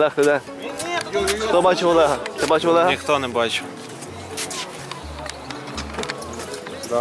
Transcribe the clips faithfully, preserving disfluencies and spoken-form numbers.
Олег, ти де? Хто бачив Олега? Ти бачив Олега? Ніхто не бачив. Да.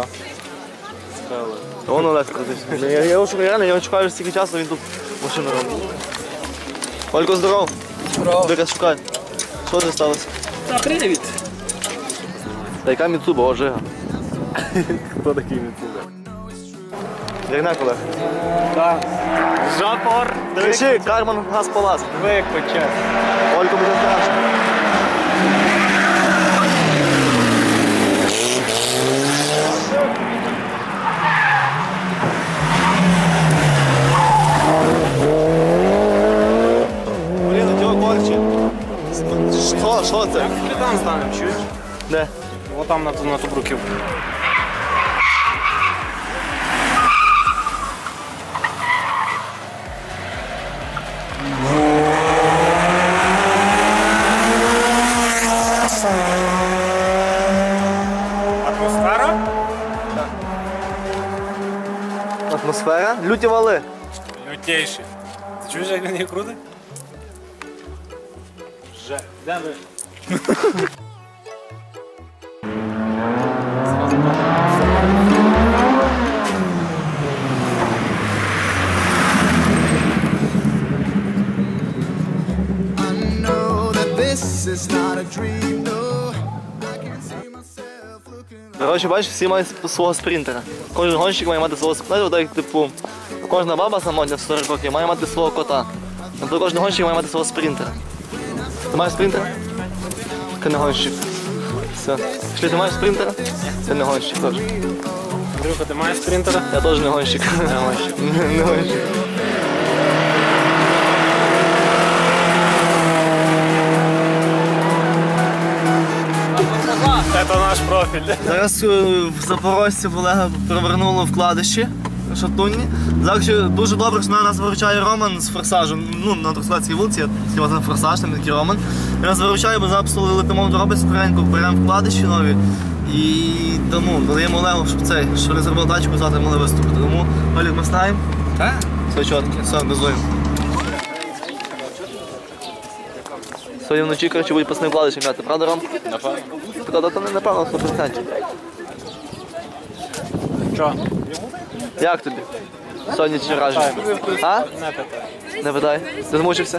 Вон Олег крутився. Я його реально, я його чекаю стільки часу, він тут машину робить. Олько, здоров. Здоров. Ти шукай. Що це сталося? Та привіт. Та яка Міцуба, о, Жига. Хто такий Міцуба? Дягняк, Олег. Так. Жапор. Кричи, Карман газ палас. Ви як почав. Олько буде страшно. Блін, у цього корчі. Що, що це? Як там станемо, чуєш? Де? О, там на ту, на ту бруківку. Атмосфера? Так. Атмосфера? Люті вали. Лютейший. Ти чуєш, як він її крутить? Вже. Де ви? Коротше, бачиш, всі мають свого спринтера. Кожен гонщик має мати свого спринтера, так як типу, кожна баба самотня в сорок років має мати свого кота. Тобто кожен гонщик має мати свого спринтера. Ти маєш спринтера? Ти не гонщик. Все. Якщо ти маєш спринтера, ти не гонщик теж. Андрюха, ти маєш спринтера? Я теж не гонщик. Не гонщик. Не гонщик. Це наш профіль. Зараз в Запорожці Олега провернуло вкладиші шатунні. Зараз ще дуже добре, що нас виручає Роман з форсажем. Ну, на Трускавецькій вулиці, я хотів на форсаж, там такий Роман. Він нас виручає, бо зараз летимо до робить скоренько, беремо вкладиші нові. І тому даємо Олегу, щоб цей, що не зробив тачку, завтра могли виступити. Тому, Олег, ми встаємо. Так? Все чітко, все, газуємо. Сьогодні вночі, коротше, будуть пасні вкладиші м'яти, правда, Ром? Напевно. Правда, то не напевно, сто відсотків. Що? Як тобі? Сьогодні чи враження? А? Не питай. Не питай. Ти змучився?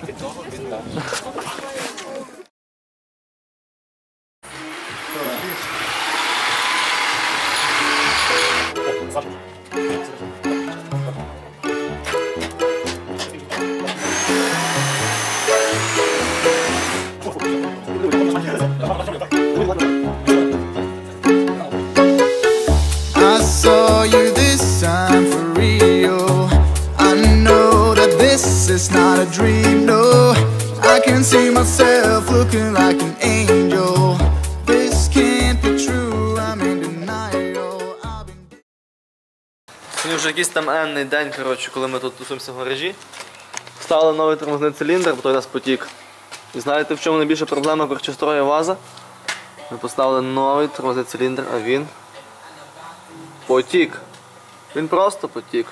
I saw you this time for real. I know that this is not a dream, no. I can see myself looking like an angel. This can't be true, I'm in denial. I've been... Сьогодні вже якийсь там енний день, коротше, коли ми тут тусуємося в гаражі. Вставили новий тормозний циліндр, бо той у нас потік. І знаєте, в чому найбільша проблема корчострою ВАЗа? Ми поставили новий тормозний циліндр, а він потік. Він просто потік.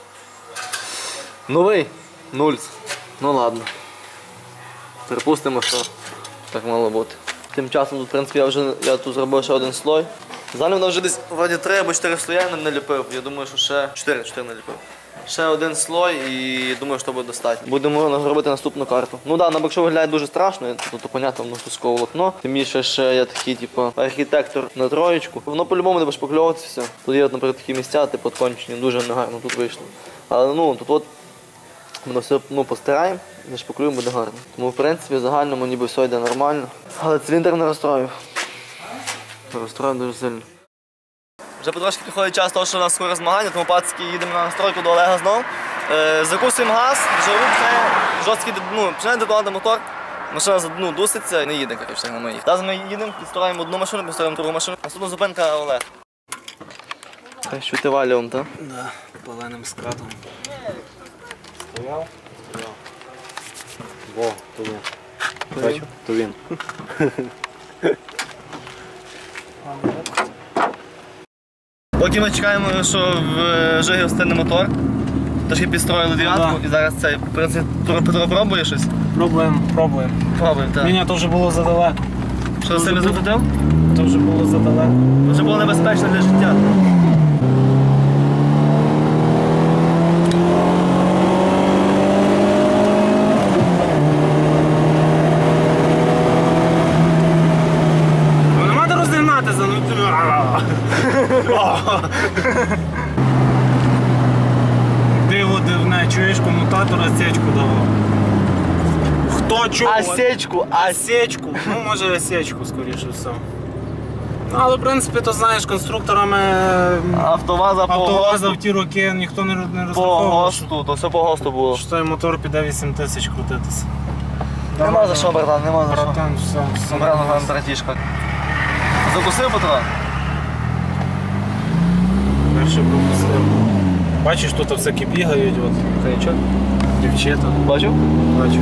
Новий. Нульц. Ну ладно. Припустимо, що так мало бути. Тим часом, тут, в принципі, я вже я тут зробив ще один слой. Зараз воно вже десь вроді три або чотири слоя не наліпив. Я думаю, що ще чотири наліпив. Ще один слой і думаю, що буде достатньо. Будемо робити наступну карту. Ну так, да, на бокшо виглядає дуже страшно, тут, то, понятно, воно кускове волокно. Тим більше ще є такий, типу, архітектор на троєчку. Воно по-любому буде шпакльовуватися все. Тут є, наприклад, такі місця, типу, кончені, дуже негарно тут вийшло. Але ну, тут от воно все ну, постираємо, зашпаклюємо, буде гарно. Тому, в принципі, в загальному ніби все йде нормально. Але циліндр не розстроїв. Розстроїв дуже сильно. Вже потрошки підходить час того, що у нас скоро змагання, тому пацки їдемо на настройку до Олега знову. Е, закусуємо газ, жару, починає жорсткий, ну, починає детонувати мотор. Машина ну, дуситься і не їде, коротше, на моїх. Зараз ми їдемо, підстроїмо одну машину, підстроїмо другу машину. Наступна зупинка Олег. Хай щути валіум, так? Да, паленим скатом. Стояв? Стояв. Во, то він. Бачу? То він. Поки ми чекаємо, що в Жигі встане мотор, трошки підстроїли дев'ятку і зараз цей, в принципі, Петро пробує щось. Пробуємо, пробуємо. Пробуємо, так. Ні, ні, то вже було задалеко. Що сильно захотів? То вже було задалеко. Це вже було небезпечно для життя. Ну нема де розігнатися, ну ти. Диво дивне, чуєш, комутатор осечку давав. Хто чого? Осечку, а Осечку. Ну, може осечку, скоріше все. Ну, але в принципі, то знаєш, конструкторами автоваза по автоваза в ГОСТу. ті роки ніхто не, не По розраховував, ГОСТу, то все по ГОСТу було. що той мотор піде вісім тисяч крутитися. Нема за що, братан, нема за що. Братан, все, все. Братан, нам братішка. Закусив патрон? Перше пропустив. Бачиш, тут всякі бігають, от. Це нічого. Дівчата. Бачив? Бачу.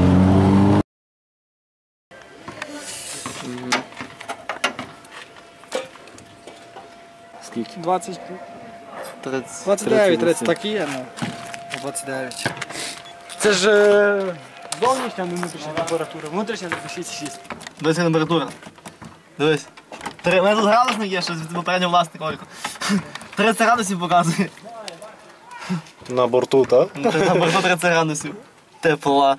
Скільки? двадцять, тридцять. двадцять дев'ять, тридцять, так і є, ну. двадцять дев'ять. Це ж е, зовнішня, не внутрішня температура. Внутрішня шість шість. Дивись температура. Дивись. Три, у мене тут градусник є, що від попереднього власника Олька. тридцять градусів показує. На борту, так? На борту тридцять градусів. Тепла.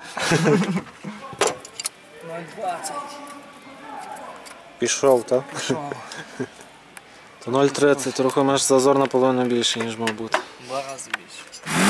двадцять. Пішов, так? Пішов. То нуль тридцять, трохи маєш зазор наполовину більше, ніж мав бути. Два рази більше.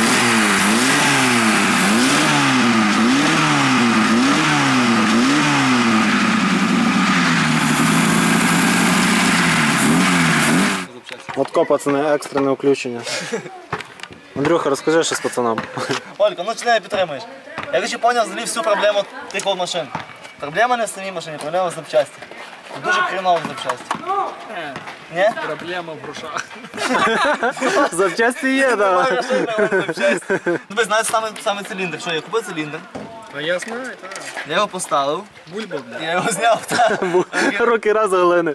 От ко, пацани, екстрене включення. Андрюха, розкажи щось пацанам. Олька, ну чи не підтримуєш? Я хочу поняв взагалі всю проблему тих от машин. Проблема не в самій машині, проблема в запчасті. Дуже хреново в запчасті. Ні? Проблема в грошах. Запчасті є, Немає так. машин, але запчасті. Ну ви знаєте саме, саме циліндр. Що, я купив циліндр, А я знаю, так. я його поставив, Бульба, бля. я його зняв, так. Руки раз глини.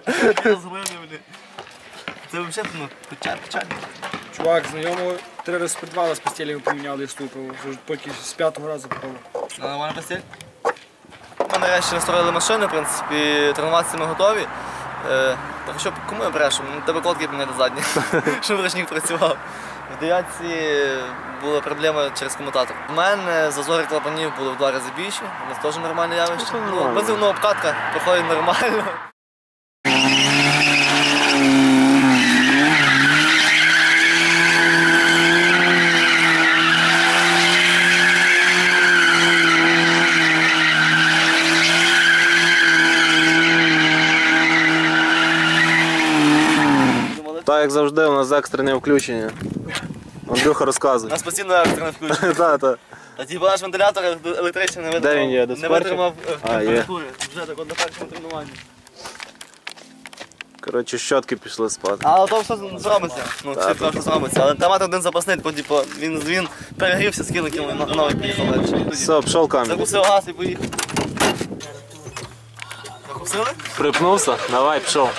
Це взагалі, ну, печаль, печаль. Чувак, знайомого три рази підвали з постелями поміняли і стукав. Вже тільки з п'ятого разу попало. Нормальна постіль? Ми нарешті настроїли машини, в принципі, тренуватися ми готові. Е, так що кому я брешу? Ну, тебе колодки поміняти задні, щоб ручник працював. В дев'ятці була проблема через комутатор. У мене зазори клапанів були в два рази більші, у нас теж нормальне явище. Ну, Ну, нормально. бензинна обкатка проходить нормально. Так, як завжди, у нас екстрене включення. Андрюха У розказує. нас постійно екстрене включення. Так, так. А ті наш вентилятор електричний не Де він є? витримав, Десь не в парку? витримав е, А, є. температури. Вже так от на першому тренуванні. Коротше, щотки пішли спати. Але то все зробиться. Ну, Так, всі так. трохи зробиться. Але там один запасний, бо типу, він, він перегрівся, скинув, кинув, і новий поїхав далі. Все, пішов камінь. Закусив газ і поїхав. Закусили? Припнувся? Давай, пішов.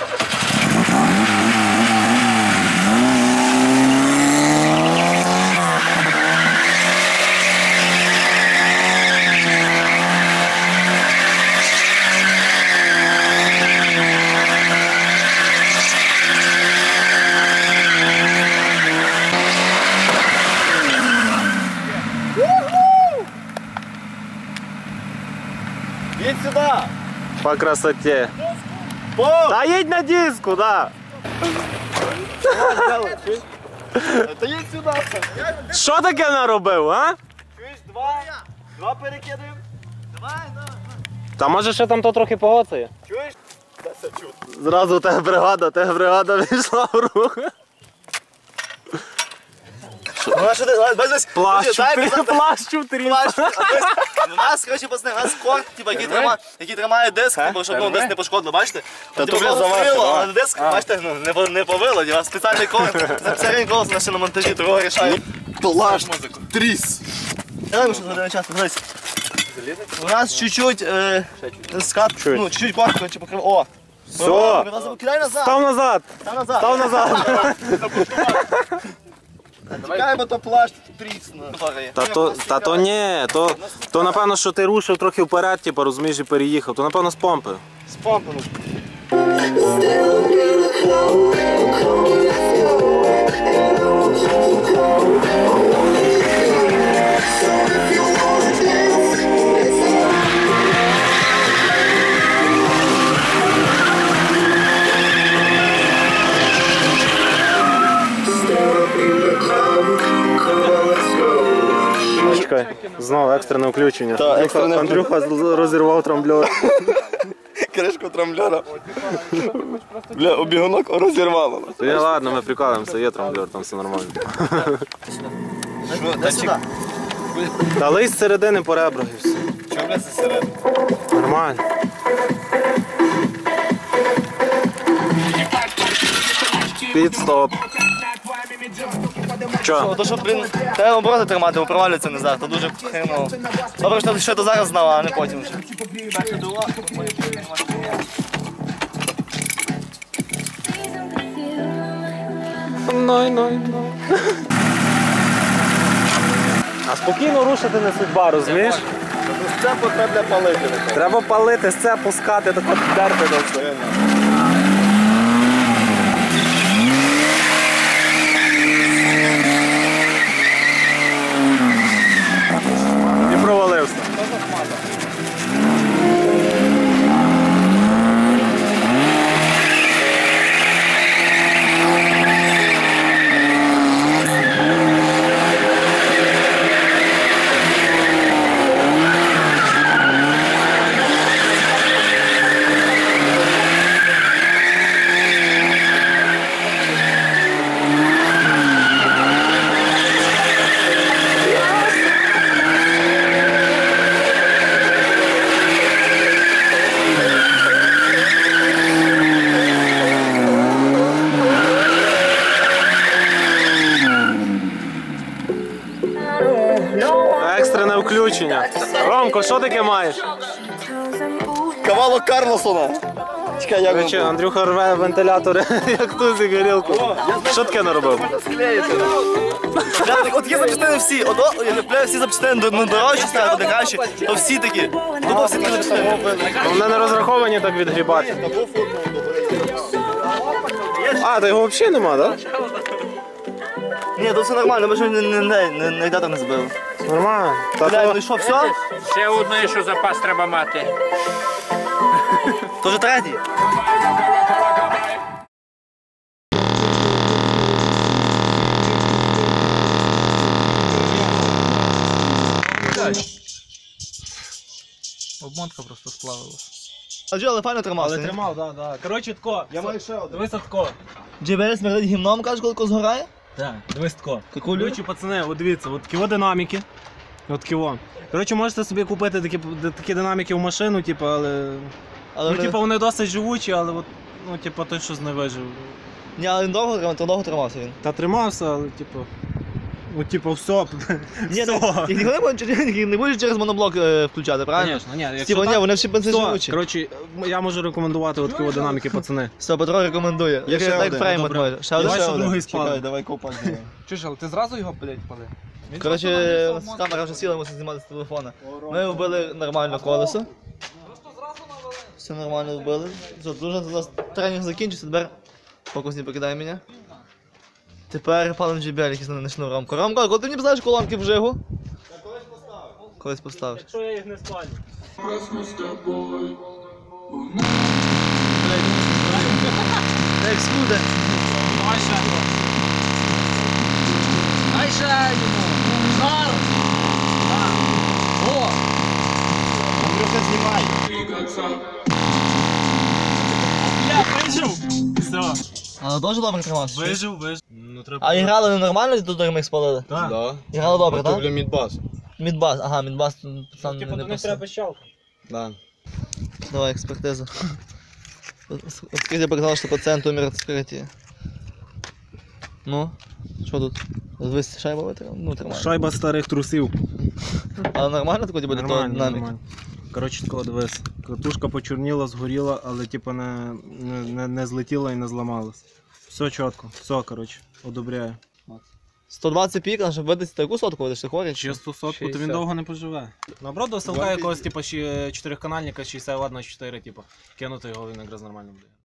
Їдь сюди! По красоті. По! Та їдь на диску, да. Та їдь сюди! Що таке наробив, а? Чуєш, два? Два перекидаємо? Давай, давай. Та може ще там то трохи погоцає? Чуєш? Та все чути. Зразу у тебе бригада, тебе бригада війшла в рух. Ну, що ти, давай, бачиш? Плащ, Дай, чотири, казати. плащ, чотири. Плащ. У нас, коротше, пацани, у нас корт, типу, який тримає, який тримає диск, типу, щоб ну, диск не пошкодило, бачите? Та Типу, то воно заважко, стріло, а? але диск, бачите, ну, не, по- не повило, у вас спеціальний корт, за п'ятдесят колос на шиномонтажі, того рішає. Плащ, музику. тріс. Давай, ми що згадаємо час, дивись. У нас чуть-чуть, е, скат, Чуть. ну, чуть-чуть корт, коротше, покрив, о. Все. О, Кидай назад, Став назад, став назад. став назад. Чекай, бо то плащ трісне. Та то, та то ні, то, то напевно, що ти рушив трохи вперед, типу, розумієш, і переїхав. То напевно з помпи. З помпи. Чекай, знову екстрене включення. Та, екстрене Андрюха з- розірвав трамблер. Кришку трамблера. Бля, обігунок розірвало. То я ладно, ми прикалуємося, є трамблер, там все нормально. Дай сюди. Та лий з середини по ребрах і все. Чого бля це середини? Нормально. Підстоп. Чо? То що, блін, треба обороти тримати, бо провалюється назад, то дуже хреново. Добре, що ти ще то зараз знав, а не потім вже. Ной, ной, ной. А спокійно рушити не судьба, розумієш? Це потрібно палити. Треба палити, це пускати, так от дерти до все. І провалився. Екстрене включення. Ромко, що таке маєш? Кавало Карлосона. Чекай, як Короче, Андрюха рве вентилятори, як тузик горілку. Що таке наробив? склеїти. Бля, так от є запчастини всі. От, о, я бля, всі запчастини ну, дорожчі ставити, де краще, то всі такі. Тупо всі такі запчастини. Вони не розраховані так відгрібати. А, то його взагалі нема, так? Ні, то все нормально, ми ж не, не, не, не, не йде там не збили. Нормально. Та Бля, то- ну і що, все? Ще одне, що запас треба мати. То вже третій. Обмотка просто сплавилась. А Джо, але файно тримався. Але тримав, так, так. Коротше, тако. Я маю ще один. Дивись тако. Джей Бі Ес смердить гімном, кажеш, коли згорає? Так, дивись тако. Какулю? Короче, пацани, от дивіться, от такі динаміки. От такі. Коротше, можете собі купити такі, такі динаміки в машину, типу, але. Але Ну, не- типу, вони досить живучі, але от, ну, типу, той щось не вижив. Ні, але він довго тримався, довго тримався він. Та тримався, але типу. Ну, типу, все. Ні, ну, все. їх ніхто не буде- не будеш через моноблок е, включати, правильно? Звісно, ні, якщо Типа, ні, так, вони всі бензинживучі. все. Коротше, я можу рекомендувати от такі динаміки, пацани. Все, Петро рекомендує. Є ще Як один. фрейм Добре. майже. Ще один? Давай, Ще що один. другий спали. Чекай, давай ковпак зробимо. Чуєш, але ти зразу його, блядь, пали? Коротше, у нас камера вже сіла, мусить знімати з телефона. Ми вбили нормально колесо. Все нормально вбили. Все, дуже у нас тренінг закінчився, тепер фокус не покидає мене. Тепер палим джей бі ел, якийсь на шнур Ромко. Ромко, коли ти мені поставиш колонки в жигу? Колись поставиш. Колись поставиш. Якщо я їх не спалю. Як скуде. Дай ще йому! Жар! О! Андрюха, знімай. Я вижив! Все. Але дуже добре тримався. Вижив, вижив. Ну, треба... А і грали нормально, тут ми їх спалили? Так. Да. І грали добре, так? Тобто мідбас. Мідбас, ага, мідбас пацан Типу, не до них писав. треба щалка. Да. Давай, експертиза. Открытие показало, что пациент умер от вскрытия. Ну, що тут? Звись шайба витримала? Ну, тримає. Шайба старих трусів. Але нормально тако буде то Нормально, динамік? нормально. Коротше, тако дивись. Катушка почорніла, згоріла, але типу не, не, не, не злетіла і не зламалась. Все чітко, все, коротше, одобряю. сто двадцять пікан, щоб видати таку сотку, видиш, ти хворий? Чисту сотку, то він шістдесят. довго не поживе. Наоборот, до селка якогось, типу, чотириканальника, шістдесят ватт на чотири, типу, кинути його, він якраз нормально буде.